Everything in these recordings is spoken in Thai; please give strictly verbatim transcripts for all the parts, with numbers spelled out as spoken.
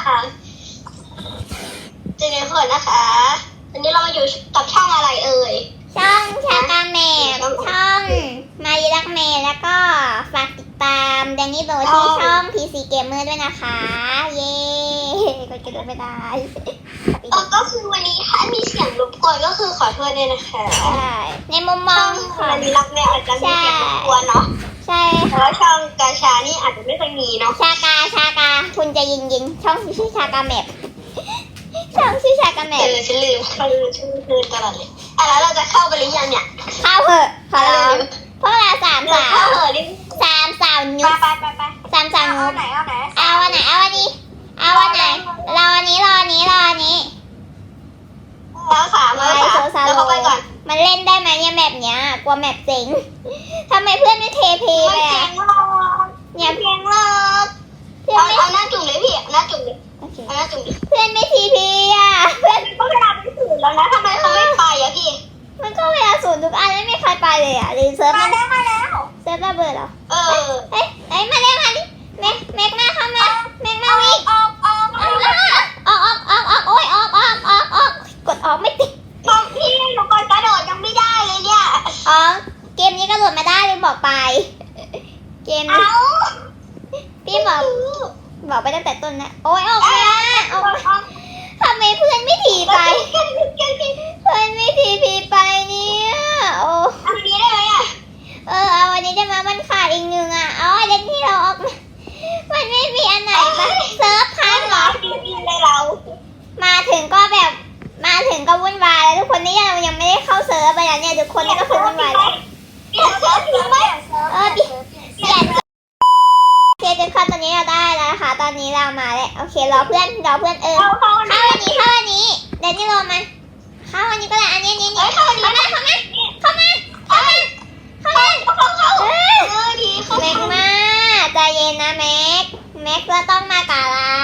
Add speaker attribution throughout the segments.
Speaker 1: นะคะเจเนเพิร์ดนะคะวันนี้เรามาอยู่กับช่องอะไรเอ่ย
Speaker 2: ช่องชากาเมดช่องมาริลักเมดแล้วก็ฝากติดตามแดนนี่โดที่ช่อง พี ซี Gamer ด้วยนะคะ เย้กดกระโดดไม่ได้
Speaker 1: เออก็คือวันนี้ถ้ามีเสียงรบกวนก็คือขอโทษด้วยนะคะ
Speaker 2: ใช่ในมุมมอง
Speaker 1: ของมาริลักเมดอาจจะมีเสียงรบกวนเนาะ
Speaker 2: ใช่
Speaker 1: เพราะว่าช่องกาชานี่อาจจะไม่เคยมีเนาะ
Speaker 2: ชากาชากาคุณจะยิงยิงช่องชื่อชากาเมดช่องชื่อชากาเมด
Speaker 1: เออฉันลืมฉันลืมชื่อลืมตลอดเลยอ่ะแล้วเราจะเข้าไปหรือยังเนี่ย
Speaker 2: เข้าเหอะขอร้องพวกเราสามสาวสามสาวนุ๊ก
Speaker 1: ไปไปไป
Speaker 2: สามสาวนุ๊ก
Speaker 1: เอาไหนเอาไหน
Speaker 2: เอาวันไหนเอาวันนี้เอาวันไหนรอวันนี้รอวันนี้รอวันนี้
Speaker 1: แล้วสามแล้วสามแล้วเข้าไปก่อน
Speaker 2: มันเล่นได้ไหมเนี่ยแมปเนี้ยกลัวแมปเจ๋งทำไมเพื่อนไม่เทเพไปอ่ะ
Speaker 1: เนี่ยเพียงเลิกเอาเอาหน้าจุ่มเลยพี่หน้าจุ่มเลยเอาหน้าจุ่มดิ
Speaker 2: เพื่อนไม่ทีพีอ่ะเพื่อน
Speaker 1: ก็เวลาไปศูนย์แล้วนะทำไมเขาไม่ไปอ่ะพี่
Speaker 2: มันก็เวลาศูนย์ทุกอันไม่มีใครไปเลยอ่ะหรือเซิร์ฟ
Speaker 1: มาแล้วมาแล้ว
Speaker 2: เซิร์ฟระเบิดเหรอ
Speaker 1: เออ
Speaker 2: เอ้ยเอ้ยมาเร็วมาดิแม็กแม็กมาเข้ามาแม็กมาวิ่ง
Speaker 1: ออกออกออก
Speaker 2: ออกออกออกออกโอ้ยออกออกออกออกกดออกไม่ติด
Speaker 1: ตอนพี่หนูกดกระโดดยังไม่ได้เลยเนี่ย
Speaker 2: อ๋อเกมนี้กระโดดมาได้เลยบอกไปเกมนี้พี่บอกบอกไปตั้งแต่ต้นนะโอ้ยออกมาออกทำไมเพื่อนไม่ถีไปเพื่อนไม่ถีพีไปเนี่ยโอ้
Speaker 1: เอาอันนี้ได้ไหมอ่ะ
Speaker 2: เออเอาอันนี้ได้มามันขาดอีกหนึ่งอ่ะเอาอันนี้ที่เราออกมามันไม่มีอันไหนปะเซิร์ฟพังเหรอ
Speaker 1: จริงๆเลยเรา
Speaker 2: มาถึงก็แบบมาถึงก็วุ่นวายแล้วทุกคนนี่ยังยังไม่ได้เข้าเซิร์ฟไปแล้วเนี่ยทุกคนนี่ก็คือวุ่นวายแล้ว
Speaker 1: เปลี่ยนเซิร์ฟจริงไหม
Speaker 2: เออเปลี่ยนเปลี่ยนโอเคทุกคนตอนนี้เราได้แล้วนะคะตอนนี้เรามาแล้วโอเครอเพื่อนรอเพื่อนเออเข้าวันนี้เข้าวันนี้เดี๋ยวนี่รอมาเข้าวันนี้ก็ได้อันนี้นี่นี่เข้ามาเข้ามาเข้ามาเข้ามาเข้ามาเข้ามาเออ
Speaker 1: ดีเข้า
Speaker 2: แม็กมาใจเย็นนะแม็กแม็กก็ต้องมากับเรา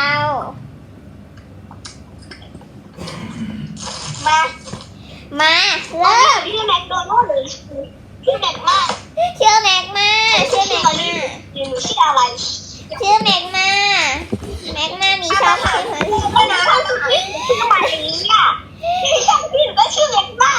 Speaker 1: มา
Speaker 2: มาเริ่ม
Speaker 1: พี่แม็กโดนัลด์หรือพี่แม็กมา
Speaker 2: ชื่อแม็กมาชื่อแม็กมา
Speaker 1: หนูชื่ออะไร
Speaker 2: ชื่อแม็กมาแม็กมามีชอบใช่ไหม
Speaker 1: ก็นะชื่อมาอย่างนี้อ่ะพี่ก็ชื่อแม็กมา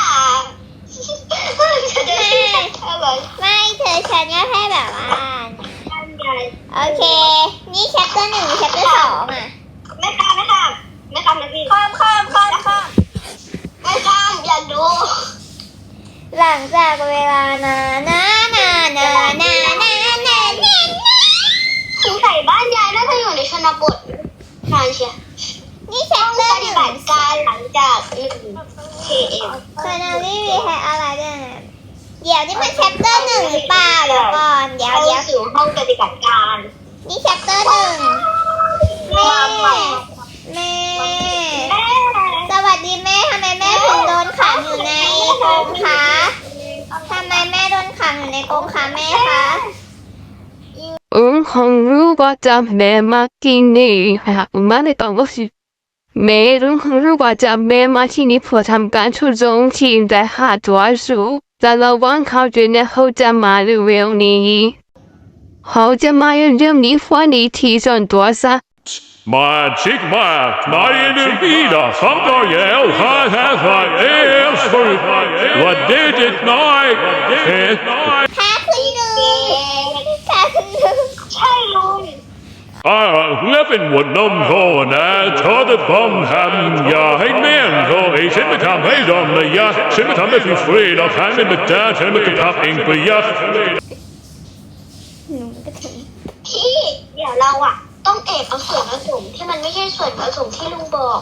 Speaker 2: ไม่เธอฉันก็แค่แบบว่าโอเคนี่แชปเตอร์หนึ่งแชปเตอร์สองอ่ะ
Speaker 1: ไม่ข้ามไม่ข้ามไม่ข้ามนะพี่ข้ามข้ามข้ามข้ามไม่ข้ามอย่าดู
Speaker 2: หลังจากเวลานานานานานานานาน
Speaker 1: สงสัยบ้านยายน่าจะอยู่ในชนบทนานเชีย
Speaker 2: นี่แชปเตอร์หนึ่ง
Speaker 1: ปฏิบัติการหลังจากหนึ่งเคเอ็ม
Speaker 2: คานาลี่มีแฮอะไรด้วยนะเดี๋ยวนี่มันแชปเตอร์หนึ่งหรือเปล่าเดี๋ยวก่อนเดี๋ยวเดี๋ยว
Speaker 1: สู่ห้องปฏิบัติการ
Speaker 2: นี่แชปเตอร์หนึ่งแม่แม่สวัสดีแม่ทำไมแม่ถึงโดนขังอยู่ในกรงคะทำไมแม่โดนขังอยู่ในกรงคะแม่คะ
Speaker 3: อืมคงรู้ว่าจะแม่มาที่นี่หากมาในตอนว่าสิแม่รู้คงรู้ว่าจะแม่มาที่นี่เพื่อทำการช่วยจงทีมแต่หาตัวสู้แต่ระวังเขาจะเนี่ยเขาจะมาเร็วนี้เขาจะมาเรื่องนี้ฟันนี้ที่ส่วนตัวซะ
Speaker 4: Magic Mark, Marianne Vida, Samuel, ha ha ha, Elsford, what did it night?
Speaker 2: ค่ะคุณลุงค่ะคุณลุง
Speaker 1: ใช่ลุง
Speaker 4: อ่าเล่เป็นวันน้ำโคนะทอดบอมทำอย่าให้แม่งโคไอ้ฉันไม่ทำให้ดอมเลยยะฉันไม่ทำให้ฟรีๆเราทำให้มันจ้าฉันไม่กระทับเองไปยะ
Speaker 1: พี่เดี๋ยวเราอะต้องเอกเอาส่วนผสมที่มันไม่ใช่ส่วนผสมที่ลุงบอก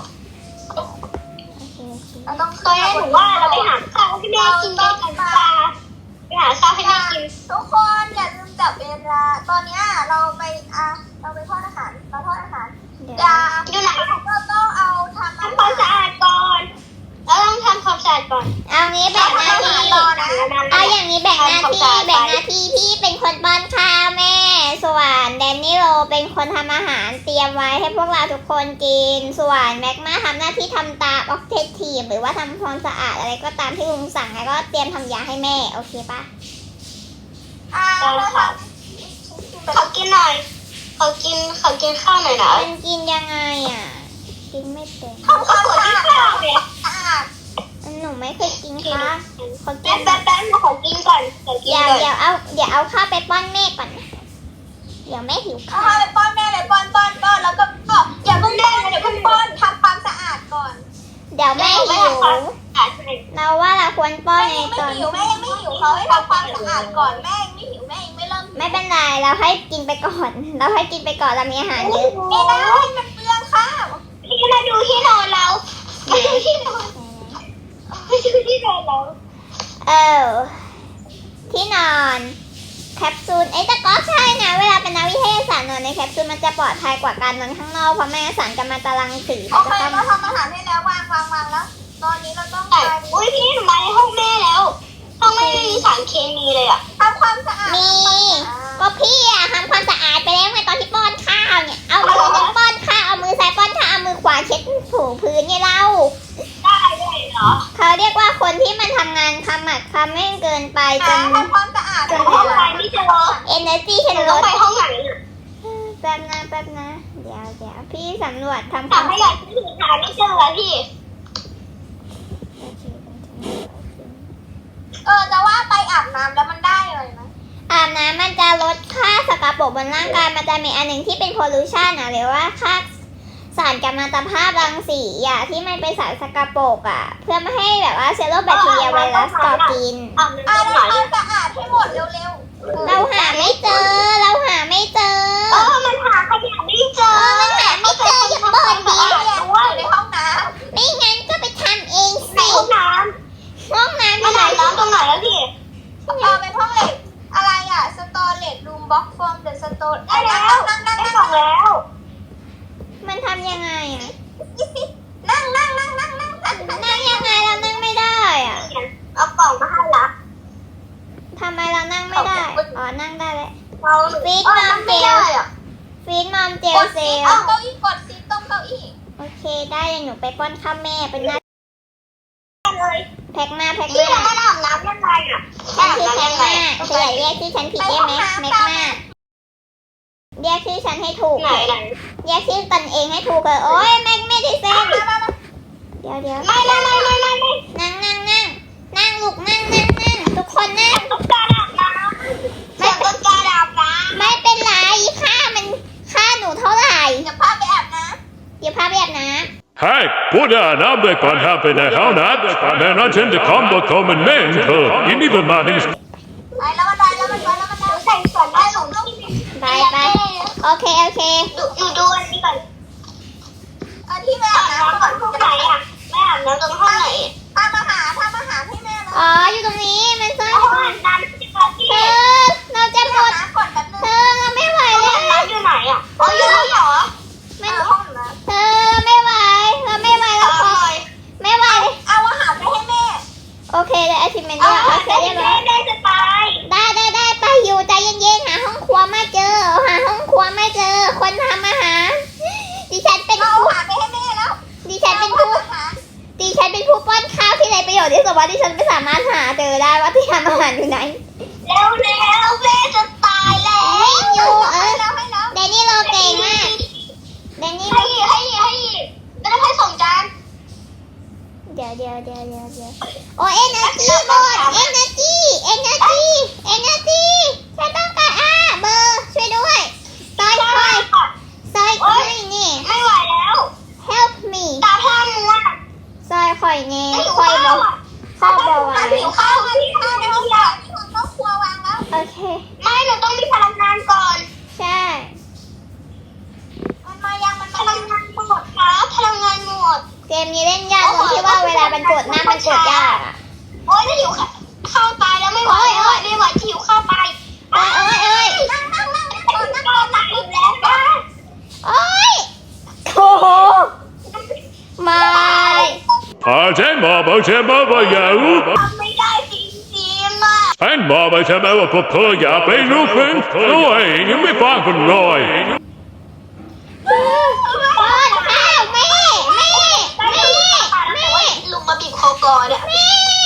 Speaker 1: เราต้องตอนนี้หนูว่าเราไปหาข้าวให้แม่กินกันดีกว่าไปหาข้าวให้แม่กิน
Speaker 5: ทุกคนอย่าลืมจับเวลาตอนนี้เราไปอ่ะเราไปทอดอาหารเราทอดอาหารอย่า
Speaker 1: อยู่ไหน
Speaker 5: ก็ต้องเอาทำ
Speaker 1: ทำความสะอาดก่อนแล้วต้องทำความสะอาดก่อน
Speaker 2: เอางี้แบ่งหน้าที่เอาอย่างนี้แบ่งหน้าที่แบ่งหน้าที่พี่เป็นคนป้อนข้าวแม่ส่วนแดนนี่โรเป็นคนทำอาหารเตรียมไว้ให้พวกเราทุกคนกินส่วนแม็กมาทำหน้าที่ทำตามออกเทสทีมหรือว่าทำความสะอาดอะไรก็ตามที่ลุงสั่งแล้วก็เตรียมทำยาให้แม่โอเคปะ
Speaker 5: อ่าแล้วค่ะ
Speaker 1: เขากินหน่อยเขากินเขากินข้าวหน่อยนะ
Speaker 2: มันกินยังไงอ่ะกินไม่เป็น
Speaker 5: ทำความสะอาดสะอาด
Speaker 2: หนูไม่เคยกินค่ะคนกิ
Speaker 1: แป๊
Speaker 2: น
Speaker 1: บแป๊บแป๊บมาขอกินก่อนขอกิน
Speaker 2: เดี๋ยว
Speaker 1: ก่อน
Speaker 2: เดี๋ยวเอาเดี๋ยวเอาข้าวไปป้อนแม่ก่อนนะเดี๋ยวแม่หิว
Speaker 5: เอา
Speaker 2: ข้าว
Speaker 5: ไปป้อนแม่เลยป้อนป้อนป้อนแล้วก็ก็อย่าเพิ่งป้อนอย่าเพิ่งป้อนทำความสะอาดก่อน
Speaker 2: เดี๋ยวแม่หิว
Speaker 1: อ่ะใช่
Speaker 2: เราว่าเราควรป้อน
Speaker 5: แม่
Speaker 2: ใน
Speaker 5: ยังไม่
Speaker 2: ตอน
Speaker 5: หิวแม่ยังไม่หิวเขาให้ทำความสะอาดก่อนแม่ยังไม่หิวแม่ยังไม่เริ่มหิว
Speaker 2: ไม่เป็นไรเราให้กินไปก่อน เราให้กินไปก่อนเรามีอาหารเยอะ
Speaker 5: ไม่ได้มันเปลืองข้าว
Speaker 1: พี่มาดูที่นอนเรามาดูที่นอนมาดูที่นอนเรา
Speaker 2: เออที่นอนแคปซูลไอ้ยแต่ก็ใช่นะเวลาเป็นนักวิทยาศาสตร์นอนในแคปซูลมันจะปลอดภัยกว่าการนอนข้างนอกเพราะไม่งั้นสารกัมมันตรังสี
Speaker 5: โอ
Speaker 2: มัน
Speaker 5: เค
Speaker 2: จะต้อง
Speaker 5: เราทำอาหารให้แล้ววางวางวางแล้ว ตอนนี้เราต้อง
Speaker 1: แต่
Speaker 5: ไป
Speaker 1: อุ้ยพี่หนูมาในห้องแม่แล้วห้องแม่ไม่มีสารเคมีเลยอ่ะ
Speaker 5: ทำความสะอาด
Speaker 2: มีก็พี่อะทำความสะอาดไปแล้วไงตอนที่ป้อนข้าวเนี่ยเอามือหนึ่งป้อนข้าวเอามือซ้ายป้อนข้าวเอามือขวาเช็ดถูพื้นไงเรา
Speaker 1: ได้ด้วยเหรอ
Speaker 2: เขาเรียกว่าคนที่มันทำงานขมักเขม้นเกินไปจน
Speaker 5: ทำความสะอาด
Speaker 1: แต่ห้องใครไม่เจอ
Speaker 2: energy
Speaker 1: ห
Speaker 2: ฉัน
Speaker 1: นู
Speaker 2: ล
Speaker 1: ต้อง
Speaker 2: ด
Speaker 1: ไปห้องไหนอ่ะ
Speaker 2: แป๊บนะแป๊บนะเดี๋ยวเดี๋ยวพี่สำรวจทำค
Speaker 1: ถาว
Speaker 2: าม ม
Speaker 1: ให้หน่อยที่หาไม่เจออะพี่
Speaker 5: เออจะว่าไปอาบน้ำแล้วมันได้เลยไหม
Speaker 2: อาบน้ำมันจะลดค่าสกปรกบนร่างกายมันจะมีอันหนึ่งที่เป็น pollution อ่ะหรือว่าค่าสารกัมมันตภาพรังสีอ่ะที่มันเป็นสารสกปรกอ่ะเพื่อไม่ให้แบบว่าเชื้อโรคแบคทีเรียไวรัสก่อกิน
Speaker 1: อ่ะมัน
Speaker 5: อ่า
Speaker 1: ตรงไหน
Speaker 5: ทำความสะอาดให้หมดเร็ว
Speaker 2: เราหาไม่เจอ เราหาไม่เจอ
Speaker 1: เออมันหาขยะไม่เจอ
Speaker 2: เออมันหาไม่เจออย่าเปิดดิ
Speaker 5: ๆเรียนอยู่ในห้องน้
Speaker 2: ไม่งั้นก็ไปทำเอง
Speaker 1: ใน
Speaker 2: สิ
Speaker 1: ห้องน้
Speaker 2: ห้องน้ำ
Speaker 1: ำ
Speaker 2: อยู่
Speaker 1: มัน
Speaker 2: ไหน
Speaker 1: อาบน้ำตรงไหนแล้วพี่
Speaker 5: ำเออเป็นห้องเหล็กอะไรอ่ะสตอเรจรูมบ็อกฟอร์มเดอะสโตน
Speaker 1: ได้แล้ว
Speaker 5: นั่งนั่ง
Speaker 1: ได้
Speaker 5: นั่ง
Speaker 1: บอกแล้ว
Speaker 2: มันทำยังไงอ่ะ
Speaker 5: นั่งนั่งนั่งนั่งนั่งนั่ง
Speaker 2: นั่งยังไงเรานั่งไม่ได้อ่ะ
Speaker 1: เอากล่องมาให้ละ
Speaker 2: ทำไมเรานั่งไม่ได้ อ๋อ นั่งได้แล้ว
Speaker 1: เรา
Speaker 2: ฟีด
Speaker 1: เออ
Speaker 2: มา
Speaker 1: มัน
Speaker 2: เจ
Speaker 1: ไม่
Speaker 2: ล
Speaker 1: ได้อ่ะ
Speaker 2: ฟีดมอมเจ
Speaker 5: ก
Speaker 2: ล
Speaker 5: ด
Speaker 2: เซ
Speaker 5: ซี
Speaker 2: ล
Speaker 5: เอาเก้าอี้กดซีตรงเก้าอี้
Speaker 2: โอเคได้เดี๋ยวหนูไปป้อนข้าวแม่เป็นหน้า
Speaker 1: เลย
Speaker 2: แพ็กมาแพ็ก
Speaker 1: พี่
Speaker 2: มา
Speaker 1: แล้วมันอาบน้ำยังไงอ่ะ
Speaker 2: ฉันชื่อ
Speaker 1: อาบ
Speaker 2: แพ็
Speaker 1: น้ำ
Speaker 2: ก
Speaker 1: ยังไง
Speaker 2: มาเธออย่าเรียกชื่อฉันผิดได้ไหมแม็กมาเรียกชื่อฉันให้ถูก
Speaker 1: ไหนไหน
Speaker 2: เรียกชื่อตนเองให้ถูกเลยโอ้ยแม็กไม่ได้เซ็น
Speaker 5: มามามา
Speaker 2: เดี๋ยวเดี๋ยว
Speaker 1: ไม่ไม่ไม่ไม่ไม่ไม่
Speaker 2: นั่งนั่งนั่งนั่งลูกนั่งนั่งนั่งทุกคนนั่ง
Speaker 1: ต้องการอาบน้ำไม่ต้องการอาบน้
Speaker 2: ไม่เป็นไรค่ามันค่าหนูเท่าไหร่
Speaker 5: เดี๋ยวพาไปอาบน้
Speaker 2: เดี๋ยวพาไปอาบน้
Speaker 4: Hej, både Anna och Beckman här på den här natten. Men han kände kom och kom en människa. In i bemannings...
Speaker 5: ำไปแล้วมันไปแล้วมันไปแล้วมันไป
Speaker 1: ำใส่ส่วนได้หลงที่
Speaker 2: ำไปไปโอเคโอเค
Speaker 1: ดูหนูดูอันนี้ก่อน
Speaker 5: เออที่แม่
Speaker 1: อา
Speaker 5: อา
Speaker 1: บบ น้ำ
Speaker 5: น้ำ
Speaker 1: ก่
Speaker 5: ก่
Speaker 1: อ
Speaker 5: อน น
Speaker 1: ห้องไหนอ่ะไม่อาบน้ำตรงห้องไหน
Speaker 5: ทำอาหารทำอาหารให้แม่เลย
Speaker 2: อ๋ออยู่ตรงนี้มันซ่อน
Speaker 1: ห้องอาบน้ำที่ปาร์ตี้
Speaker 2: เธอเราจะหมด
Speaker 5: น้ำก่อนแป๊บนึง
Speaker 2: เธอเราไม่ไหว
Speaker 1: ห้อง
Speaker 2: แล้ว
Speaker 1: อาบน้ำอยู่ไหนอ่ะอ๋ออยู่ห้องเหรอ
Speaker 2: มัน
Speaker 5: เออห้องน้
Speaker 2: เธอเราไม่ไหวเราไม่ไหว
Speaker 1: อ
Speaker 2: แล้วขอ
Speaker 1: ร่อย
Speaker 2: ไม่ไหวเลย
Speaker 5: ำเอาอาหารไปให้แม่
Speaker 2: โอเคเลยอาชิเมน
Speaker 1: อ๋
Speaker 2: เดี
Speaker 1: อย
Speaker 2: โอเค
Speaker 1: ได้
Speaker 2: เรียบร้
Speaker 1: ได้
Speaker 2: อย
Speaker 1: ได้จะตาย
Speaker 2: ได้ได้ได้ไปอยู่ใจเย็นๆหาห้องครัวไม่เจอหาห้องครัวไม่เจอ คนทำอาหารดิฉันเป็น
Speaker 5: เอา
Speaker 2: ผู้
Speaker 5: อาหารไปให้แม่แล้ว
Speaker 2: ดิฉันเป็นผู้
Speaker 5: อาหาร
Speaker 2: ดิฉันเป็นผู้ป้อนข้าวที่ไรประโยชน์ที่สุดว่าดิฉันไม่สามารถหาเจอได้ว่าที่ทำอาหารอยู่ไหน
Speaker 1: แล้วแล้วแม่จะตายแล้ว
Speaker 2: วิ่งอยู่เออ
Speaker 5: แล้วให้แล้ว
Speaker 2: เดนนี่โลเก่งมากเดนนี่
Speaker 1: ให้ให้ให้ไม่ต้องให้ส่งจาน
Speaker 2: เดี๋ยวเดี๋ยวเดี๋ยวเดี๋ยวเดี๋ยวโอ้เอเนอร์จีหมดเอเนอร์จีเอเนอร์จีเอเนอร์จีฉันต้องการอ่าเบอร์ช่วยด้วยซอยคอยซอยคอยนี่
Speaker 1: ไม่ไหวแล้ว
Speaker 2: help me
Speaker 1: ตาพร่ามัว
Speaker 2: ซอยคอยนี่
Speaker 1: ไม่หิว
Speaker 2: คอย
Speaker 1: ข้าว
Speaker 2: บอก
Speaker 1: อ่ะ
Speaker 2: ข้าวบอกไว้
Speaker 1: หิวข้าวค่ะพี่ข้าวในห้องยา
Speaker 5: ที่ห้องครอบครัววางแล้ว
Speaker 2: โอเค
Speaker 1: ไม่หนูต้องมีพลังงานก่อน
Speaker 2: ใช่
Speaker 5: มันมายังมัน
Speaker 1: พ
Speaker 5: มา
Speaker 1: ลั
Speaker 5: ยัง ง
Speaker 1: งานหมดครับพลังงานหมด
Speaker 2: เกมนี้เล่นยากตรงที่ว่าเวลามันกดหน้ามันกดยากอะ
Speaker 1: โอ๊ยถ้าหิวข้าวตายแล้วไม่ไหวโอ๊ยไม่ไหวที่หิวข้าวตาย
Speaker 2: เอ้ยเอ้ยเอ้ย
Speaker 5: นั่งนั่งนั่งนั่ง
Speaker 1: ก่อนนะก่อนนะอีกแล้วนะ
Speaker 2: โอ้ยโอ้โหไม่
Speaker 4: Arjen Mama Chemaba Yahoo!
Speaker 1: ทำไม่ได้จริงๆอ่ะ
Speaker 4: And Mama Chemaba Papaya Bay Lupin! Roy, you may find from Roy!
Speaker 2: ป้อนข้าวแม่แม่แม่แม่
Speaker 1: ลุงมาบีบคอก่อนอ่ะ
Speaker 2: แม่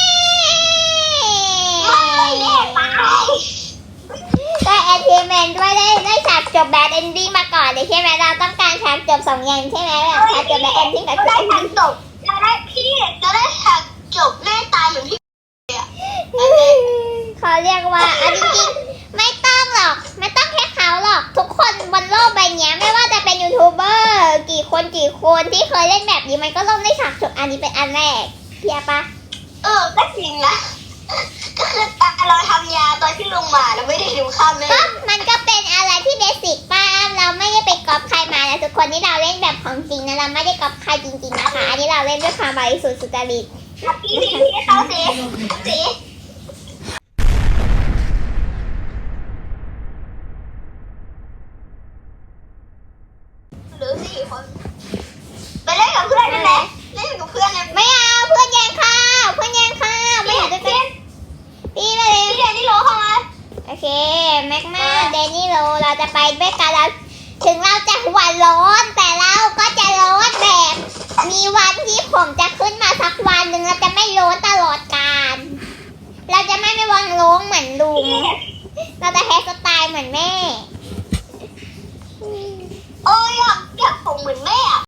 Speaker 1: ไม่แน่ตาย
Speaker 2: ได้แอนเทเมนด้วยได้ได้ฉากจบแบดเอนดิ้งมาก่อนเลยใช่ไหมเราต้องการฉากจบสองอย่างใช่ไหมแบบฉากจบกับแบ็คเอนดิ้งกับ
Speaker 1: เรา
Speaker 2: แบ็
Speaker 1: ได้
Speaker 2: คเอน
Speaker 1: ฉาก
Speaker 2: ดิ้ง
Speaker 1: จบเราได้พี่เราได้ฉากจบแม่ตายเหมือนพี่เลยอะ
Speaker 2: เขาเรียกว่าเอาจริงๆไม่ต้องหรอกไม่ต้องแค่เขาหรอกทุกคนบนโลกใบนี้ไม่ว่าจะเป็นยูทูบเบอร์กี่คนกี่คนที่เคยเล่นแบบนี้มันก็ต้องได้ฉากจบอันนี้เป็นอันแรกเพียปะ
Speaker 1: เออก็จริงนะก็คือตาเราทำยาตอนที่ลงมาเราไม่ได้ดูข้ามแม่
Speaker 2: ก็มันก็เป็นอะไรที่เบสิกป้าเราไม่ได้ไปก๊อปใครมานะทุกคนที่เราเล่นแบบของจริงนะเราไม่ได้ก๊อปใครจริงๆนะคะอันนี้เราเล่นด้วยความบริสุทธิ์สุจริต
Speaker 1: พี่พี่พี่เขาสิสิหรือสี่คนไปเล่นกับเพื่อนนั่นแหละเล่นกับเพื่อนนะ
Speaker 2: ไม่เอาเพื่อนแย่งข้าวเพื่อนแย่งข้าวไม่อยากจะเป็นพี่ไปเลย
Speaker 1: พี่เดนนี่โลเข้ามา
Speaker 2: โอเคแม็กมาเดนี่โรเราจะไปด้วยกันแล้วถึงเราจะหัวร้อนแต่เราก็จะร้อนแบบ มีวันที่ผมจะขึ้นมาสักวันหนึ่งเราจะไม่ร้อนตลอดกาลเราจะไม่ไม่วังร้องเหมือนลุงเราจะแฮร์สไตล์เหมือนแม่
Speaker 1: โอ้ยอยากอยากผมเหมือนแม่อะ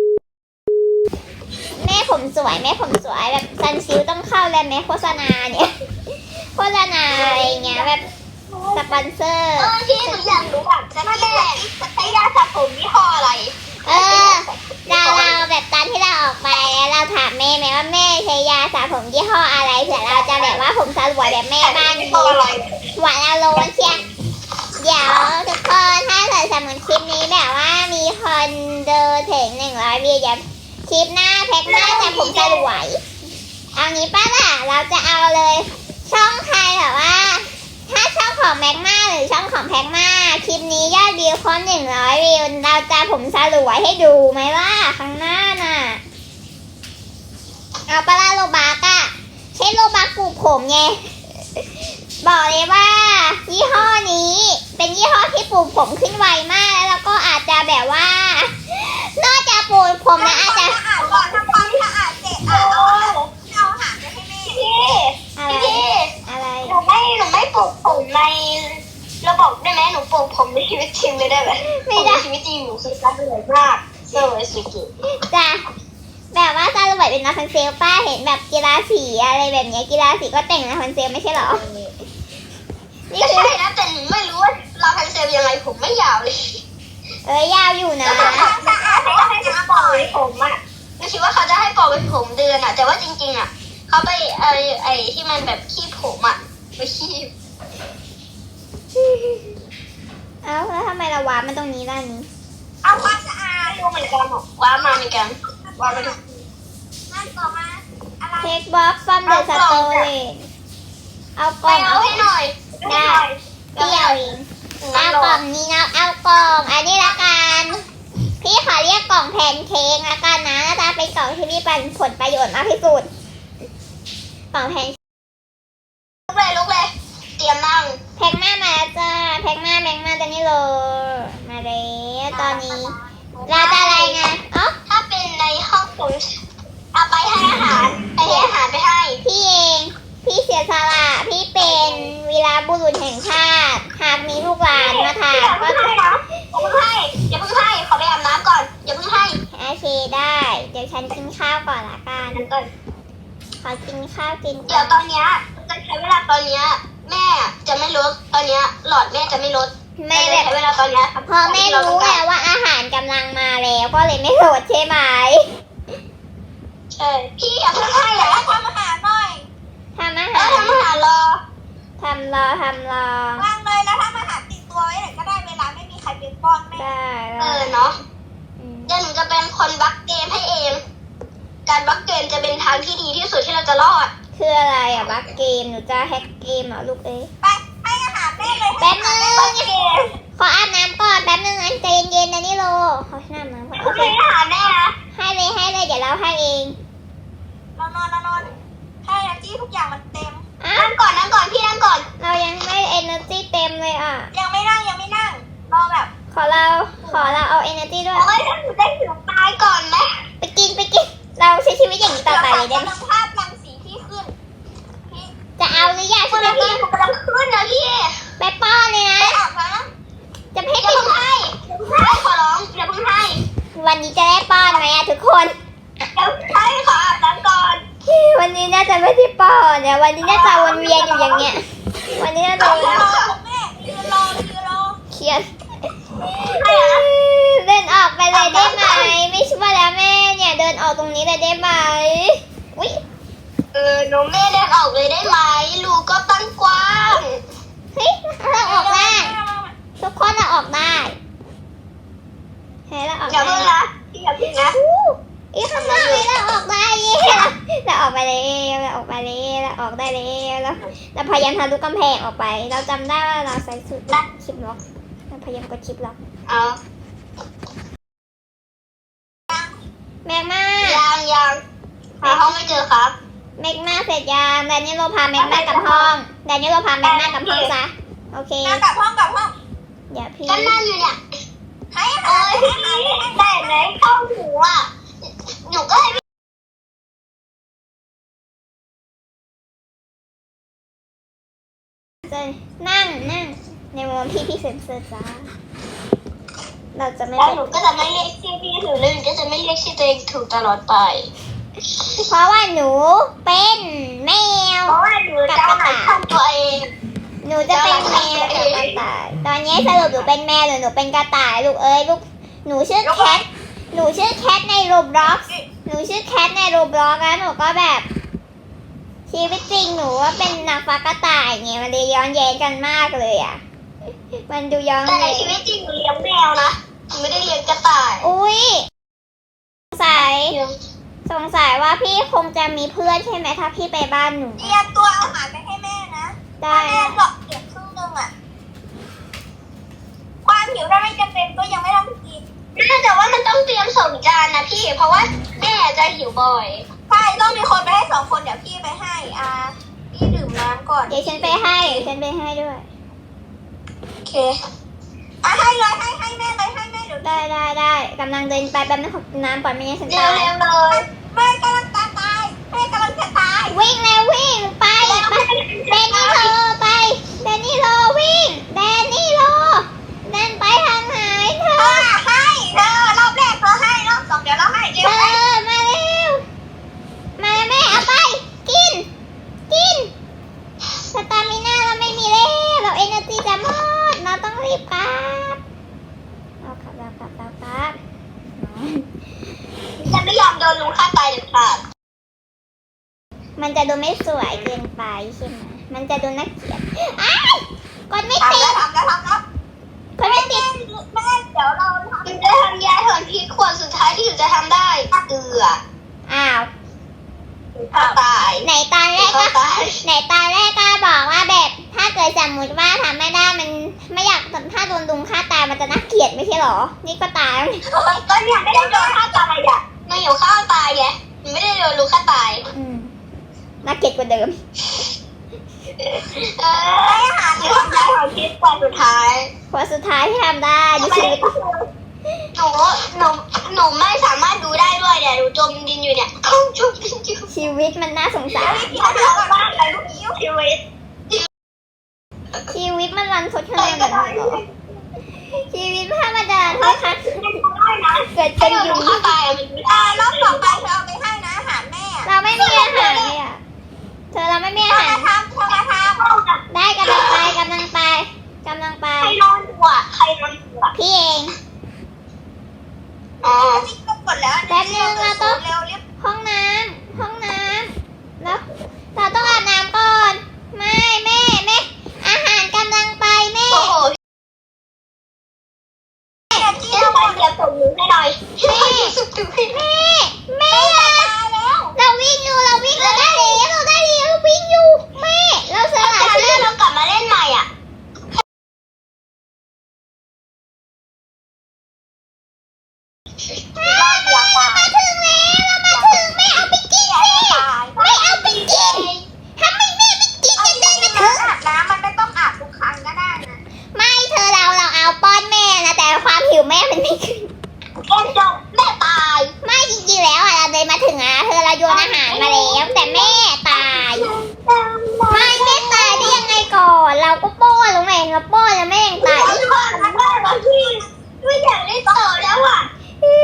Speaker 2: แม่ผมสวยแม่ผมสวยแบบซันซิลต้องเข้าแล้วแม่โฆษณาเนี่ยโฆษณาอะไรเงี้ยแบบสปอนเซอร์
Speaker 1: เออที่หนูอยากรู้แบบจะแม่ใช้ยาสระผมยี่ห้ออะไร
Speaker 2: เออเราเราแบบตอนที่เราออกไปแล้วเราถามแม่ไหมว่าแม่ใช้ยาสระผมยี่ห้ออะไรเผื่อเราจะแบบว่าผมสลวยแบบแม่บ้าง
Speaker 1: ยี่
Speaker 2: ดี
Speaker 1: ห้ออะไร
Speaker 2: หวานอารมณ์เชียเดี๋ยวทุกคนถ้าเกิดสมมติคลิปนี้แบบว่ามีคนดูถึงหนึ่งร้อยวิวเดี๋ยวคลิปหน้าแพ็กหน้าจะผมสลวยเอางี้ป้าล่ะเราจะเอาเลย ช่องใครแบบว่า ถ้าช่องของแม็กมาหรือช่องของแพ็กมาคลิปนี้ยอดวิวครบหนึ่งร้อยวิวเราจะผมสลวยให้ดูไหมล่ะข้างหน้าน่ะเอาปลาล่าโลบากอะใช้โลบากปลูกผมไงบอกเลยว่า ยี่ห้อนี้เป็นยี่ห้อที่ปลูกผมขึ้นไวมากแล้วก็อาจจะแบบว่านอกจากปลูกผมแล้วอาจจะ
Speaker 5: สะอาดก่อนทำความสะอาดเสร็จอ่ะเอาเอาอาหารไปให้แม่
Speaker 1: พี่
Speaker 2: อะไร
Speaker 1: พี่
Speaker 2: อะไร
Speaker 1: หนูไม่หนูไม่ปลูกผมในระบบได้ไหมหนูปลูกผมในชีวิตจริงเลยได้ไหม
Speaker 2: ไม่ได้
Speaker 1: ในชีวิตจริงหนูคือรักเหนื่อยมากเซอร์ไวสุกิ
Speaker 2: จ้ะแบบว่าซาลูเวตเป็นลาพันเซลป้าเห็นแบบกีฬาสีอะไรแบบเนี้ยกีฬาสีก็แต่งลาพันเซลไม่ใช่เหรอ นี่
Speaker 1: ก็
Speaker 2: คือ
Speaker 1: ใช่นะแต่หนูไม่รู้ว่าเราพันเซลยังไงผมไม่ยาวเลย
Speaker 2: เอ้ยยาวอยู่นะ
Speaker 1: แล้วทำสะอาดแล้วให้เขาปล่อยผมอ่ะหนูคิดว่าเขาจะให้ปล่อยผมเดือนอ่ะ แต่ว่าจริงๆอ่ะเขาไปไอ้ไอ้ที่มันแบบคีบผมอ่ะไปคีบ
Speaker 2: เอ้าแล้วทำไมเราวาร์ปมันตรงนี้ล่ะนี้
Speaker 1: เอาความสะอาดรู้เหมือนกันหรอกว่ามาเหมือนกันว่าไปดู
Speaker 5: นั่นต่อมาอะไร
Speaker 2: เทคบ็อกซ์ฟอมเดอะสโตเลเอาก
Speaker 1: ไป
Speaker 2: ล่อง
Speaker 1: เอา
Speaker 2: เอา
Speaker 1: ให้หน่อย
Speaker 2: ได้เดี่ยวเองเอากล่องนี้นะเอากล่องอันนี้ละกันพี่ขอเรียกกล่องแพนเค้กละกันนะน่าจะเป็นกล่องที่มีผลประโยชน์มากที่สุดกล่องแพน
Speaker 1: ลุกเลยลุกเลยเตรียมนั่ง
Speaker 2: แพ็กมามาแล้วจ้าแพ็กมาแพ็กมาตอนนี้เลยมาแล้วตอนนี้เราจะอะไรไงอ๋อ
Speaker 1: ถ้าเป็นในห้องผมเอาไปให้อาหารไปให้อาหารไปให้
Speaker 2: พี่เองพี่เสียสละพี่เป็นวีรบุรุษแห่งชาติหากมีลูกหลานมาถาม
Speaker 1: อย่า
Speaker 2: ก็
Speaker 1: เพิ่งให้นะอย่าเพิ่งให้อย่าเพิ่งให้ขอไปอาบน้ำก่อนอย่าเพิ่งให้
Speaker 2: โอเคได้ เดี๋ยวฉันกินข้าวก่อนละกัน
Speaker 1: นั่นก่อน
Speaker 2: ขอกินข้าวกิน
Speaker 1: เดี๋ยวตอนเนี้ยจะใช้เวลาตอนเนี้ยแม่จะไม่ลดตอนเนี้ยหลอดแม่จะไม่ลด
Speaker 2: แม่แบบ
Speaker 1: ใช้เวลาตอนเนี้ย
Speaker 2: พอแม่รู้แล้วว่าอาหารกำลังมาแล้วก็เลยไม่โหลดใช่ไหม
Speaker 1: ใช่พี่อย่าเพิ่งให้นะ
Speaker 5: ทำอาหารหน่อย
Speaker 2: ทำอา
Speaker 1: แล้
Speaker 2: หาว ร
Speaker 1: ทำอาหารรอ
Speaker 2: ทำรอทำรอ
Speaker 5: วางเลยแล้วทำอาหารติดตัวไว้ไหนก็ได้เวลาไม่มีใครเป็นป้อนแม่
Speaker 2: ได้
Speaker 1: เออเนาะ
Speaker 2: อืม
Speaker 1: เดี๋ยวหนูจะเป็นคนบักเกมให้เอง การบักเกมจะเป็นทางที่ดีที่สุดที่เราจะรอด
Speaker 2: คืออะไรอ่ะบักเกมหนูจะแฮกเกมเหรอลูกเอ้ย
Speaker 5: ไปให้อาหารแม่เลย
Speaker 2: แป๊บนึง
Speaker 1: บักเกม
Speaker 2: ขออาบน้ำก่อนแป๊บนึงอันใจเย็นๆนะนี่โลขออาบน้ำก่อนโอ
Speaker 1: คุณ
Speaker 2: เค
Speaker 1: ให้อาหารแม่นะ
Speaker 2: ให้เลยให้เลยเดี๋ยวเราให้เอง
Speaker 5: เรานอนเรานอนให้แอจี้ทุกอย่างมันเต็ม
Speaker 2: อ่ะ
Speaker 1: นั่งก่อนนั่งก่อนพี่นั่งก่อน
Speaker 2: เรายังไม่ energy เต็มเลยอ่ะ
Speaker 5: ยังไม่นั่งยังไม่นั่งรอแบบ
Speaker 2: ขอเราขอเราเอา energy ด้วย
Speaker 1: โอ้ยถ้าหนูได้ถึงตายก่อนไหม
Speaker 2: ไปกินไปกินเราใช้ชีวิตอย่างนี้ต่อไปเลยได้ไหม
Speaker 5: กำลังภาพรังสีที่ขึ้นพี่
Speaker 2: จะเอาหรือยัง
Speaker 1: คุ
Speaker 2: ใช่
Speaker 1: ณ
Speaker 2: ไหม
Speaker 1: พี่หนูกำลังขึ้นนะพี่
Speaker 2: ไปป้อนเลยนะ
Speaker 5: ไปอาบน้
Speaker 2: จะให้
Speaker 1: อย่า
Speaker 2: ไป
Speaker 1: เพิ่งให้อย่าเพิ่งให้ขอร้องอย่าเพิ่งให้
Speaker 2: ไวันนี้จะได้ป้อนไหมอะทุกคน
Speaker 1: เดี๋ยวให้ขออาบน้ำก่อน
Speaker 2: วันนี้น่าจะไม่ได้ป้อนเนี่ยวันนี้น่าจะวนเวียนอยู่อย่างเงี้ย วันนี้น่าจะ
Speaker 5: รอแม่ยืนรอยืนรอ
Speaker 2: เครียดเดินออกไปเลยได้ไหมไม่ช่วยแล้วแม่เนี่ยเดินออกตรงนี้เลยได้ไหมอุ้ย
Speaker 1: เออหนูไม่เดินออกเลยได้ไหมรูก็ตั้งกว้าง
Speaker 2: เฮ้ยเราออกได้ทุกคนเราออกได้เฮ้ยเราออก
Speaker 1: อย่า
Speaker 2: ได้
Speaker 1: เพิ่งนะพี่อย่าเพิ่งนะ
Speaker 2: อู้อีข้างนอกนี้เราออกได้เย้เราเราออกไปเลยเราออกไปเลยเราออกได้เลยเราเราพยายามทะลุกำแพงออกไป เราจำได้ว่าเราใส่สุดชิปล็อกเราพยายามกดชิปล็อก
Speaker 1: เอา
Speaker 2: แมกมา
Speaker 1: ยังยังหาห้องไม่เจอครับ
Speaker 2: แมกมาเสร็จยังแดนนี่โรพาแมกมากลับห้องแดนนี่โรพาแมกมากลับห้องซะโอเค
Speaker 5: มากลับห้องกลับห้อง
Speaker 2: เดี๋ยวพี่
Speaker 1: ก็นั่งอยู่เนี่ย
Speaker 5: ให้อา
Speaker 1: โอ้
Speaker 5: หาร
Speaker 1: ยแต่ไหนเข้าหูอ่ะหนูก็ให้
Speaker 2: จะนั่งนั่งในมุมที่พี่เซ็นเซอร์จ้าเราจะไม่
Speaker 1: แล้วหนูก็จะไม่เรียกชื่อพี่ถูกแล้วหนูก็จะไม่เรียกชื่อตัวเองถูกตลอดไป
Speaker 2: เพราะว่าหนูเป็นแมว
Speaker 1: เพราะว่าหนูจะหัดทำตัวเอง
Speaker 2: หนูจะเป็นแมวกับกระต่าย ตอนนี้สรุปหนูเป็นแมวหรือหนูเป็นกระต่ายลูกเอ้ยลูก หนูชื่อแคท หนูชื่อแคทในโรบล็อกหนูชื่อแคทในโรบล็อกแล้วหนูก็แบบ ชีวิตจริงหนูว่าเป็นนางฟ้ากระต่ายไงมันเลยย้อนแย้งกันมากเลยอ่ะ มันดูย้อน
Speaker 1: แต่ใน
Speaker 2: แย้ง
Speaker 1: ชีวิตจริงหนูเลี้ยงแมวนะหนูไม่ได้เลี้ยงกระต่าย
Speaker 2: อุ้ยสงสัย สงสัยว่าพี่คงจะมีเพื่อนใช่ไหมถ้าพี่ไปบ้านหนู
Speaker 5: เตรียมตัวเอาอาหารไปให้แม่นะ
Speaker 2: ได้
Speaker 5: แม่หลอกเก็บครึ่งนึงอ่ะความหิวถ้าไม่จำเป็นก็ยังไม่ต้องกิน
Speaker 1: น่าจะว่ามันต้องเตรียมสองจานนะพี่ เพราะว่าแม่จะหิวบ่อย
Speaker 5: ใช่ต้องมีคนไปให้สองคนเดี๋ยวพี่ไปให้อ่าพี่ดื่มน้ำก่อน
Speaker 2: เดี๋ยวฉันไปให้เดี๋ยวฉันไปให้ด้วย
Speaker 1: โอเค
Speaker 5: อ่ะให้เลยให้ให้แม่เลยให้แม่เดี๋ยว
Speaker 2: ได้ได้ได้กำลังเดินไปแป๊บนึงขอกินน้ำก่อนไม่งั้นฉัน
Speaker 1: เร็
Speaker 2: ตา
Speaker 1: วย เร็วเลย
Speaker 5: แม่กำลังจะตายแม่กำลังจะตาย
Speaker 2: วิ่งแล้ววิ่งไปไปแดนนี่โลไปแดนนี่โลวิ่งแดนนี่โลแดนไปทางไหนเธอ
Speaker 5: เออให้เธอรอบแรกเธอให้รอบสองเดี๋ยวเราให้เดี๋
Speaker 2: เธ
Speaker 5: ยว
Speaker 2: อ
Speaker 5: ให้
Speaker 2: มาเร็วมาแล้วแม่เอาไปกินกินสตามิน่าเราไม่มีแล้วเราเอเนอร์จีจะหมดเราต้องรีบกลับเอากลับเรากลับเรากลับ
Speaker 1: ฉันไม่ยอมโดนลุงฆ่าตายเด็ดขาด
Speaker 2: มันจะดูไม่สวยเกินไปใช่ไหมมันจะดูน่าเกลียดอ้ายกดไม่ติด
Speaker 5: ทำแล้วทำแล้วทำแล้ว
Speaker 2: กดไม่ติด
Speaker 5: แม่เดี๋ยวเราทำ
Speaker 1: หนูจะทำยาถอนพิษขวดสุดท้ายที่หนูจะทำได้เกลือ
Speaker 2: อ้าว
Speaker 1: ฆ่าตาย
Speaker 2: ไหนตอนแรก
Speaker 1: ฆ่า
Speaker 2: ก็
Speaker 1: ตาย
Speaker 2: ไหนตอนแรกก็บอกว่าแบบถ้าเกิดสมมติว่าทำไม่ได้มันไม่อยากถ้าโดนลุงฆ่าตายมันจะน่าเกลียดไม่ใช่หรอ นี่ก็ตายแล้วนี่
Speaker 1: ก็เนี่ยไม่ได้โดนฆ่าตายอ่ะหนูอยู่ฆ่าตายไงหนูไม่ได้โดนลุงฆ่าตาย
Speaker 2: อืมน่าเกลียดกว่าเดิม
Speaker 1: เออให้อาหารหนูทำยาถอนพิษขวดสุดท้าย
Speaker 2: พอสุดท้ายที่ทำได้ในชีวิต
Speaker 1: หนูหนูหนูไม่สามารถดูได้ด้วยเนี่ยหนูจมดินอยู่เนี่ยจมดินอยู่
Speaker 2: ชีวิตมันน่าสงสาร
Speaker 5: พี่เขาบอกว่าอะไรลูกยิ้ว
Speaker 1: ชีวิต
Speaker 2: ชีวิตมันรันทดขนาดนั้นเลยเหรอชีวิตถ้ามันจะรันทดขนาดเกิด
Speaker 1: ถ้า
Speaker 2: เป็น
Speaker 1: โดน
Speaker 2: ยุ
Speaker 1: ลุ
Speaker 2: ง
Speaker 1: งฆ่าตายอะมันไม่
Speaker 5: อ่า
Speaker 1: ได้
Speaker 5: รอบต่อไปเธอเอาไปให้นะอาหารแม่
Speaker 2: เราไม่มีอาหารเลยอ่ะเธอเราไม่มีอา
Speaker 5: เธอ
Speaker 2: หาร
Speaker 5: มาทำเธอมาทำ
Speaker 2: ได้กำลังไปกำลังไปกำลังไป
Speaker 1: ใครนอนอยู่อ่ะใครนอนอยู่อ่ะ
Speaker 2: พี่เอง
Speaker 1: อ๋อ
Speaker 5: นี่ก็กดแล้ว
Speaker 2: แป๊บนึงเราต้อง
Speaker 5: เร็วรีบ
Speaker 2: ห้องน้ำห้องน้ำแล้วเราต้องอาบน้ำก่อน ไม่แม่แม่อาหารกำลังไปแม่
Speaker 1: โอ้โหที่ทำไมเดี๋ยวส่งหนูให้หน่อยแม่สุดๆให้หน่อย
Speaker 2: แม่แม่เราวิ่งอยู่เราวิ่งเราได้แล้วเราได้แล้วเราวิ่งอยู่แม่เราส
Speaker 1: ถ้า
Speaker 2: ละ
Speaker 1: จะ
Speaker 2: ชี
Speaker 1: เลื่
Speaker 2: วิ
Speaker 1: อน
Speaker 2: ต
Speaker 1: เรากลับมาเล่นใหม่อ่ะ
Speaker 2: เรามาถึงแล้วเรามาถึงแม่เอาไปกินสิไม่เอาไปกินทำไมแม่ไม่กินกันได้มาถึง
Speaker 5: อาบน้ำมันไม่ต้องอาบทุกครั้งก็ได้นะ
Speaker 2: ไม่เธอเราเราเอาป้อนแม่นะแต่ความหิวแม่มันไม่ขึ้น
Speaker 1: เอ็นจบแม่ตาย
Speaker 2: ไม่จริงๆแล้วอะเราเดินมาถึงอะเธอเราโยนอาหารมาแล้วแต่แม่ตาย ไม่แม่ตายได้ยังไงก่อน เราก็ป้อนลงไปเราป้อนแล้วแม่ยังตาย
Speaker 1: ไอ้บ้าไอ้บ้าบางทีไม่อยากเล่นต่อแล้วอ่ะ
Speaker 2: อื้อ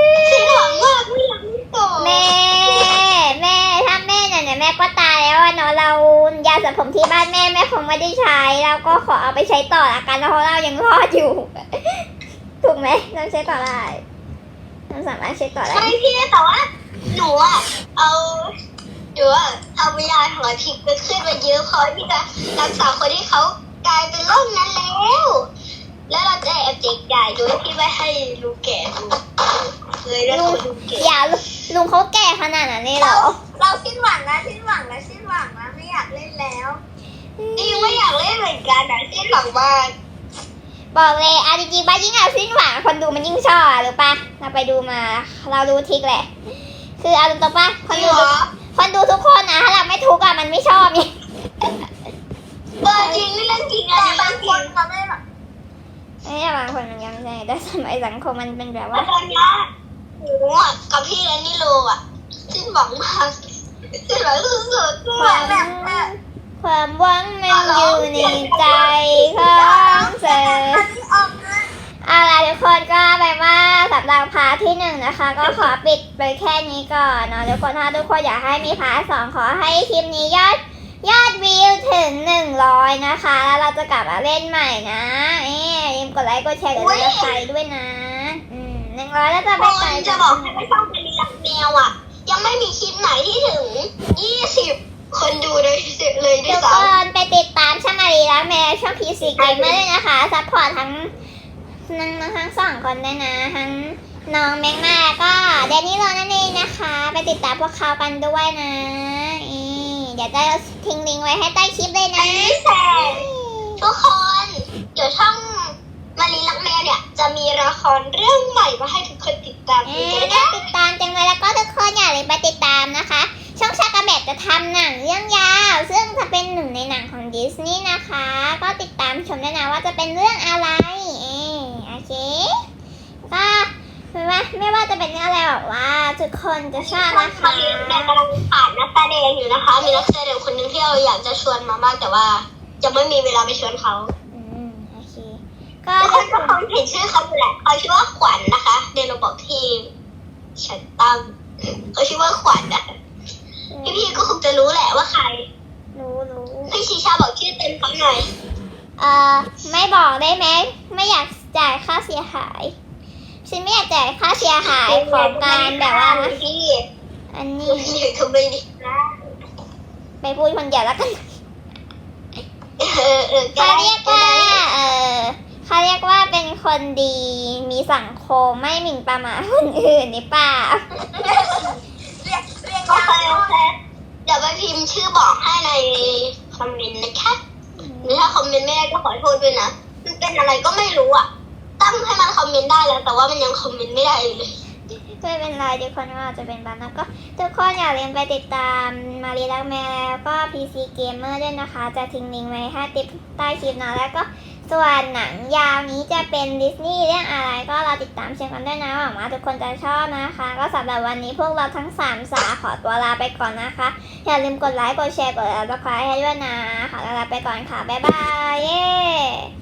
Speaker 1: สิ้นหวังมากไม่อยากเล่นต่อ
Speaker 2: แม่แม่ถ้าแม่เนี่ยเนี่ยแม่ก็ตายแล้วอะเนาะเรายาสระผมที่บ้านแม่แม่คงไม่ได้ใช้เราก็ขอเอาไปใช้ต่อละกันเพราะเรายังรอดอยู่ ถูกไหมเราใช้ต่อได้เราสามารถใช้ต่อได้
Speaker 1: ใช่พี่แต่ว่าหนูอะเอาหนูอะเอาวิญญาณของอาทิตย์ไปขึ้นมาเยอะพอที่จะรักษาคนที่เขากลายเป็นโรคนั้นแล้ว แล้วเราจะแอบเจ๊กใหญ่โดยที่ไม่ให้ลุงแก่ดูเลยแล้ว
Speaker 2: ลุง
Speaker 1: ลุงแก่
Speaker 2: อย่าลุงเขาแก่ขนาดนั้นเลยเหร
Speaker 5: เรา
Speaker 2: อ
Speaker 5: เราสิ้นหวังนะสิ้นหวังนะสิ้นหวังนะไม่อยากเล่นแล้ว
Speaker 1: นี่ไม่อยากเล่นเหมือนกันนะสิ้นหวังมาก
Speaker 2: บอกเลยเอาจริงๆว่ายิ่งเอาสิ้นหวังคนดูมันยิ่งชอบอะหรือปะเราไปดูมาเราดูทริกแหละ คือเอาตรงๆปะคนดูทุกคนดูทุกคนนะถ้าเราไม่ทุกอะมันไม่ชอบนี่
Speaker 1: เออจริงนี่เรื่องจริงอะ
Speaker 5: แต่
Speaker 1: นี่
Speaker 5: บา
Speaker 1: เรื่อง งจริง
Speaker 5: คนเขาไม่แบบ
Speaker 2: ไม่ใช่บางคนมันยังไม่ใช่แต่สมัยสังคมมันเป็นแบบ
Speaker 1: แล้
Speaker 2: ว่า
Speaker 1: วตอนเนี้ยหนูอะกับพี่แอนนี่โลอะสิ้นหวังมากสิ้นหวังสุดๆ
Speaker 2: ความ
Speaker 5: แบบเออ
Speaker 2: ความหวังมันอยู่ในใจของเธอ
Speaker 5: อันนี้ออกนะ
Speaker 2: เอาล่ะทุกคนก็แปลว่าสำหรับพาร์ทที่หนึ่งนะคะ ก็ขอปิดไปแค่นี้ก่อนเนาะทุกคนถ้าทุกคนอยากให้มีพาร์ทสองขอให้คลิปนี้ยอดยอดวิวถึงหนึ่งร้อยนะคะแล้วเราจะกลับมาเล่นใหม่นะเอ๊ะอย่าลืมกดไลค์กดแชร์กดติดตามด้วยนะอืมหนึ่งร้อยแล้วจะ
Speaker 1: ค
Speaker 2: ไปไกล
Speaker 1: นจะบอกให้ไม่ต้องเป็นรักแมวอะยังไม่มีคลิปไหนที่ถึงยี่สิบคนดูเลยเลยด้ว
Speaker 2: ทุ
Speaker 1: ย
Speaker 2: ก
Speaker 1: ซ้
Speaker 2: คนไปติดตามช่องมารีและแม่ช่องพีซีเกมเมอร์ด้วยนะคะซัพพอร์ตทั้งทั้งทั้งสองคนด้วยนะทั้งน้องแมงมาแล้วก็แดนนี่โรนั่นเองนะคะ ไปติดตามพวกเขากันด้วยนะอีเดี๋ยวจะทิ้งลิงก์ไว้ให้ใต้คลิปเลย
Speaker 1: ำ
Speaker 2: นะ
Speaker 1: อันนี้แสนทุกคน เดี๋ยวช่องมารีรักแมวเนี่ยจะมีละครเรื่องใหม่มาให้ทุกคนติดตาม
Speaker 2: เอ
Speaker 1: กัน
Speaker 2: อ
Speaker 1: ด้วย
Speaker 2: น่า
Speaker 1: นะ
Speaker 2: ติดตามจังเลยแล้วก็ทุกคนอย่าลืมไปติดตามนะคะ ช่องชากาแบบจะทำหนังเรื่องยาว ซึ่งจะเป็นหนึ่งในหนังของดิสนีย์นะคะ ก็ติดตามชมด้วยนะว่าจะเป็นเรื่องอะไรเออโอเคก็ไม่ว่าไม่ว่าจะเป็นเรื่องอะไรบอกว่าทุกคนจะชอบนะ
Speaker 1: มา
Speaker 2: คะ
Speaker 1: รีรักแมวกำลังขาดนักแสดงอยู่นะคะ มีนักแสดงคนหนึงที่เราอยากจะชวนมามากแต่ว่ายังไม่มีเวลาไปชวนเขา
Speaker 2: อืมโอเคก็
Speaker 1: ทุกคนก็คงเห็นชื่อเขาอยู่แหละเขาชื่อว่าขวัญนะคะเดนโรบอกที่ฉันตั้งเขาชื่อว่าขวัญอะพี่พี่ๆก็คงจะรู้แหละว่าใคร
Speaker 2: รู้รู้
Speaker 1: พี่ชีชาบอกชื่อเต็มเขาหน่อย
Speaker 2: เอ่อไม่บอกได้ไหมไม่อยากจ่ายค่าเสียหายฉันไม่อยากจ่ายค่าเสียหายของการแบบว่า
Speaker 1: พี่
Speaker 2: อัน
Speaker 1: นี่
Speaker 2: นี้
Speaker 1: เดี๋ยวเขาไม่ดีนะ
Speaker 2: ไปพูดคนเดียวแล้วกัน
Speaker 1: เออเออ
Speaker 2: เขาเรียกว่าเออเขาเรียกว่าเป็นคนดีมีสังคมไม่หมิ่นประมาทคนอื่นนี่เปล่า
Speaker 5: เรียกเรียก
Speaker 1: โอย
Speaker 5: าว
Speaker 1: เคโอเคเดี๋ยวไปพิมพ์ชื่อบอกให้ในคอมเมนต์นะคะหรือถ้าคอมเมนต์ไม่ได้ก็ขอโทษด้วยนะมันเป็นอะไรก็ไม่รู้อ่ะตั้งให้มันคอมเมนต์ได้แล้ว แต่ว่ามันยังคอมเมนต์ไม่ได้เลย
Speaker 2: ไม่เป็นไรทุกคนว่าจะเป็นบ้านนะก็ทุกคนอย่าลืมไปติดตามมารีรักแมวแล้วก็ พี ซี Gamer ด้วยนะคะ จะทิ้งลิงก์ไว้ให้ติดใต้คลิปนะแล้วก็ส่วนหนังยาวนี้จะเป็นดิสนีย์เรื่องอะไรก็เราติดตามเชียร์กันด้วยนะหวังว่าทุกคนจะชอบนะคะ ก็สำหรับวันนี้พวกเราทั้งสามสาขอตัวลาไปก่อนนะคะ อย่าลืมกดไลค์กดแชร์กด ซับสไครบ์ ให้ด้วยนะขอลาไปก่อนค่ะบ๊ายบายเย้